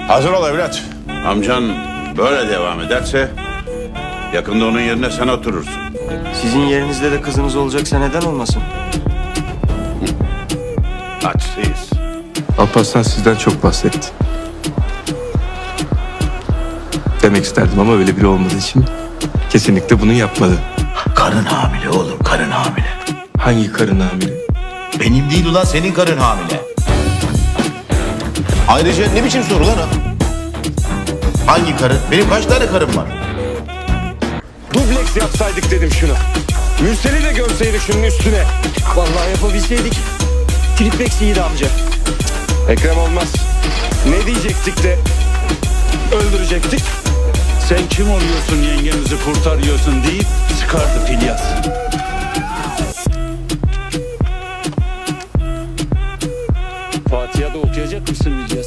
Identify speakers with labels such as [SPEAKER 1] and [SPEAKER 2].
[SPEAKER 1] Hazır ol evlat.
[SPEAKER 2] Amcan böyle devam ederse yakında onun yerine sen oturursun.
[SPEAKER 3] Sizin yerinizde de kızınız olacaksa neden olmasın?
[SPEAKER 2] Açsıyız.
[SPEAKER 4] Alparslan sizden çok bahsetti. Demek isterdim ama öyle biri olmadığı için kesinlikle bunu yapmadı.
[SPEAKER 5] Karın hamile oğlum, karın hamile.
[SPEAKER 4] Hangi karın hamile?
[SPEAKER 5] Benim değil ulan, senin karın hamile. Ayrıca ne biçim soru lan o? Hangi karın? Benim kaç tane karım var?
[SPEAKER 6] Dubleks yapsaydık dedim şunu. Mürseli de görseydik şunun üstüne.
[SPEAKER 3] Vallahi yapabilseydik. Triplex iyiydi amca.
[SPEAKER 6] Ekrem olmaz. Ne diyecektik de öldürecektik.
[SPEAKER 7] Sen kim oluyorsun yengemizi kurtarıyorsun deyip sıkardı Filyas.
[SPEAKER 6] Fatiha da okuyacak mısın bize?